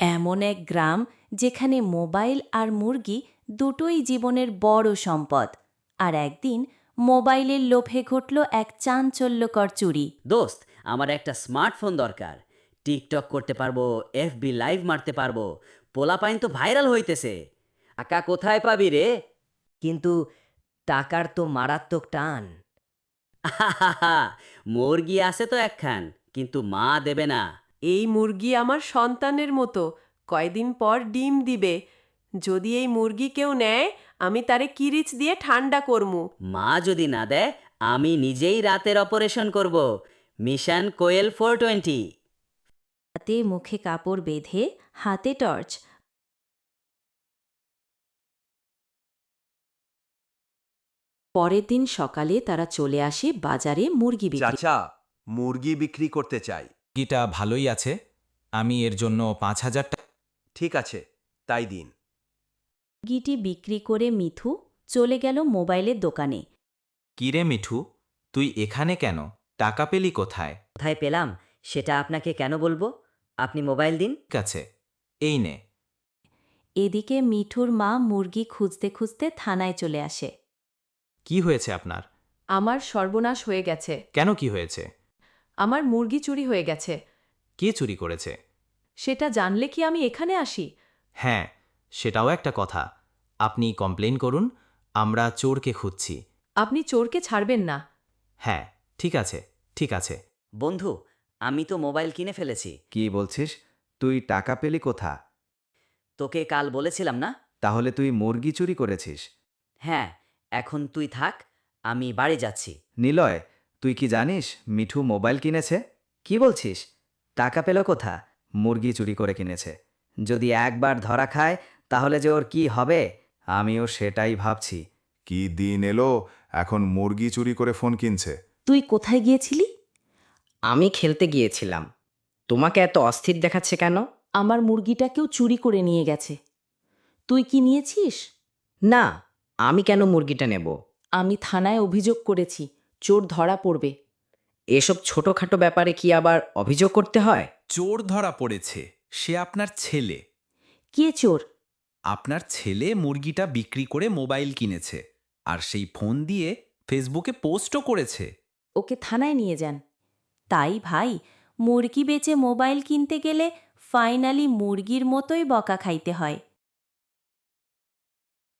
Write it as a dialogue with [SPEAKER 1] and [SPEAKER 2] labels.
[SPEAKER 1] এমন এক গ্রাম যেখানে মোবাইল আর মুরগি দুটোই জীবনের বড় সম্পদ। আর একদিন মোবাইলের লোভে ঘটল এক চাঞ্চল্যকর চুরি।
[SPEAKER 2] দোস্ত, আমার একটা স্মার্টফোন দরকার। টিকটক করতে পারবো, এফবি লাইভ মারতে পারবো। পোলাপাইন তো ভাইরাল হইতেছে। টাকা কোথায় পাবি রে?
[SPEAKER 3] কিন্তু টাকার তো মারাত্মক টান।
[SPEAKER 2] আহাহাহা, মুরগি আছে তো একখান, কিন্তু মা দেবে না।
[SPEAKER 4] এই মুরগি আমার সন্তানের মতো, কয়দিন পর ডিম দিবে। যদি এই মুরগি কেউ নেয়, আমি তারে কিরিচ দিয়ে ঠান্ডা করমু।
[SPEAKER 2] মা যদি না দেয়, আমি নিজেই রাতের অপারেশন করব। মিশন কোয়েল 420।
[SPEAKER 1] হাতে মুখে কাপড় বেঁধে, হাতে টর্চ। পরের দিন সকালে তারা চলে আসে বাজারে মুরগি বিক্রি।
[SPEAKER 5] চাচা, মুরগি বিক্রি করতে চাই।
[SPEAKER 6] মুরগিটা ভালোই আছে, আমি এর জন্য 5,000 টাকা।
[SPEAKER 5] ঠিক আছে, তাই দিন।
[SPEAKER 1] মুরগিটি বিক্রি করে মিঠু চলে গেল মোবাইলের দোকানে।
[SPEAKER 6] কিরে মিঠু, তুই এখানে কেন? টাকা পেলি কোথায়?
[SPEAKER 3] কোথায় পেলাম সেটা আপনাকে কেন বলবো? আপনি মোবাইল দিন।
[SPEAKER 6] ঠিক আছে, এই নে।
[SPEAKER 1] এদিকে মিঠুর মা মুরগি খুঁজতে খুঁজতে থানায় চলে আসে।
[SPEAKER 6] কি হয়েছে আপনার?
[SPEAKER 4] আমার সর্বনাশ হয়ে গেছে।
[SPEAKER 6] কেন, কি হয়েছে?
[SPEAKER 4] আমার মুরগি চুরি হয়ে গেছে।
[SPEAKER 6] কে চুরি করেছে?
[SPEAKER 4] সেটা জানলে কি আমি এখানে আসি?
[SPEAKER 6] হ্যাঁ, সেটাও একটা কথা। আপনি কমপ্লেন করুন, আমরা চোরকে খুঁজছি।
[SPEAKER 4] আপনি চোরকে ছাড়বেন না।
[SPEAKER 6] হ্যাঁ, ঠিক আছে, ঠিক আছে।
[SPEAKER 2] বন্ধু, আমি তো মোবাইল কিনে ফেলেছি।
[SPEAKER 7] কি বলছিস? তুই টাকা পেলি কোথা?
[SPEAKER 2] তোকে কাল বলেছিলাম না?
[SPEAKER 7] তাহলে তুই মুরগি চুরি করেছিস?
[SPEAKER 2] হ্যাঁ, এখন তুই থাক, আমি বাড়ি যাচ্ছি।
[SPEAKER 7] নিলয়, তুই কি জানিস মিঠু মোবাইল কিনেছে?
[SPEAKER 3] কি বলছিস? টাকা পেল কোথা?
[SPEAKER 7] মুরগি চুরি করে কিনেছে। যদি একবার ধরা খায় তাহলে যে ওর কি হবে, আমিও সেটাই ভাবছি।
[SPEAKER 8] কি দিন এলো, এখন মুরগি চুরি করে ফোন কিনছে।
[SPEAKER 1] তুই কোথায় গিয়েছিলি?
[SPEAKER 3] আমি খেলতে গিয়েছিলাম। তোমাকে এত অস্থির দেখাচ্ছে কেন?
[SPEAKER 1] আমার মুরগিটা কেউ চুরি করে নিয়ে গেছে। তুই কি নিয়েছিস?
[SPEAKER 3] না, আমি কেন মুরগিটা নেব?
[SPEAKER 1] আমি থানায় অভিযোগ করেছি, চোর ধরা পড়বে।
[SPEAKER 3] এসব ছোটখাটো ব্যাপারে কি আবার অভিযোগ করতে হয়?
[SPEAKER 6] চোর ধরা পড়েছে, সে আপনার ছেলে।
[SPEAKER 1] কে চোর?
[SPEAKER 6] আপনার ছেলে মুরগিটা বিক্রি করে মোবাইল কিনেছে, আর সেই ফোন দিয়ে ফেসবুকে পোস্টও করেছে।
[SPEAKER 1] ওকে থানায় নিয়ে যান। তাই ভাই, মুরগি বেচে মোবাইল কিনতে গেলে ফাইনালি মুরগির মতোই বকা খাইতে হয়।